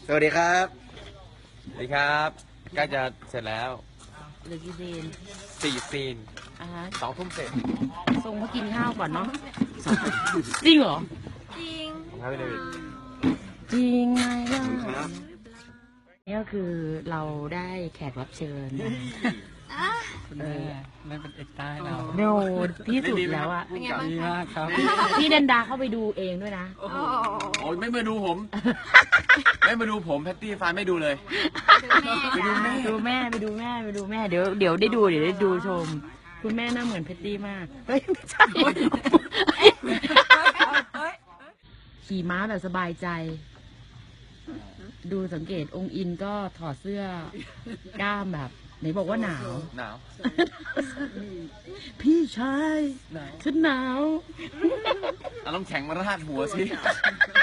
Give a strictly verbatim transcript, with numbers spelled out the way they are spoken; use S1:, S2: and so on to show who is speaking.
S1: สวัสดีครับ
S2: สวัสดีครับใกล้จะเสร็จแล้ว
S3: เหลือกี่ซีน
S2: สี่ซีน
S3: อ่าฮะ
S2: สองทุ่มเสร็จ
S3: ทรงเขากินข้าวก่อนเนาะจริงเหรอ
S2: ของครับพี่เดวิด
S3: จริงไงล่ะ
S1: ครับ
S3: นี่ก็คือเราได้แขกรับเชิญนะ
S4: คุณแม่นั่นเป็นเอกใต้เรา
S3: โนที่สุดแล้วอะ
S4: ดีมากครับ
S3: พี่เดนดาเข้าไปดูเองด้วยนะ
S2: โอ้ยไม่มาดูผม ไม่มาดูผมแพตตี้ฟานไม่ดูเลย
S3: ไปดูแม่ดูแม่ไปดูแม่ไปดูแม่เดี๋ยวเดี๋ยวได้ดูเดี๋ยวได้ดูชม คุณแม่หน้าเหมือนเพตตี้มากเฮ้ยไม่ใช่ขี่ม้าแบบสบายใจ ดูสังเกตองค์อินก็ถอดเสื้อกล้ามแบบไหนบอกว่าหนาว
S2: หนาว
S3: พี่ชายฉันหนาว
S2: เอาน้ำแข็งมาราดหัวสิ